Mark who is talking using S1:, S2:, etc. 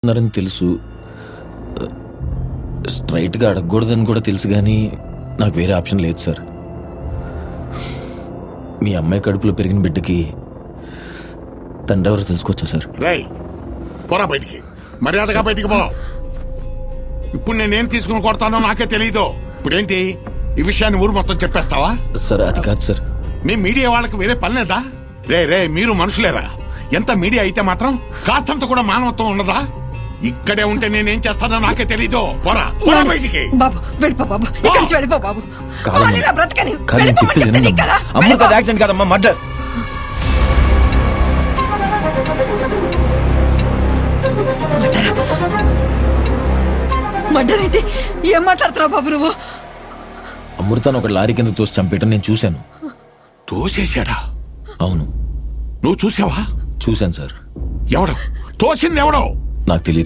S1: ఉన్నారని తెలుసు, స్ట్రైట్గా అడగకూడదని కూడా తెలుసు, కానీ నాకు వేరే ఆప్షన్ లేదు సార్. మీ అమ్మాయి కడుపులో పెరిగిన బిడ్డకి తండ్రి ఎవరో తెలుసుకోవచ్చా సార్?
S2: రేయ్ పోరా బయటికి, మర్యాదగా బయటికి పో. ఇప్పుడు నేనేం తీసుకుని కొడతానో నాకే తెలీదు. ఇప్పుడేంటి ఈ విషయాన్ని ఊరు మొత్తం చెప్పేస్తావా?
S1: సార్ అది కాదు సార్.
S2: మీ మీడియా వాళ్ళకి వేరే పని లేదా? రే మీరు మనుషులేరా? ఎంత మీడియా అయితే మాత్రం కాస్తంత కూడా మానవత్వం ఉండదా? ఇక్కడే ఉంటే నేనేం చేస్తానో నాకే తెలీదు. పోరా పోరా బయటికి.
S3: బాబు వెళ్ళిపో బాబు, ఇక్కడి నుంచి వెళ్ళిపో బాబు.
S1: కాదమ్మా.
S3: వాళ్ళు ఇలా బ్రతకని
S1: కానీ నేను
S3: వెళ్ళిపోమని
S1: చెప్పేది
S3: చెప్తే
S1: వినండి.
S3: కదా.
S1: అమ్మ
S3: వెళ్ళిపో.
S1: కాదు, యాక్సిడెంట్ కాదమ్మా, మర్డర్.
S3: మర్డర్ ఏంటి? ఏం మాట్లాడుతున్నావు బాబు నువ్వు?
S1: అమృతాన్ని ఒక లారీ కింద తోసి చంపేయటం నేను చూశాను.
S2: తోసేశాడా?
S1: అవును,
S2: నువ్వు చూసావా?
S1: చూశాను సార్.
S2: ఎవడు తోసింది? ఎవడో?
S1: నాకు తెలియదు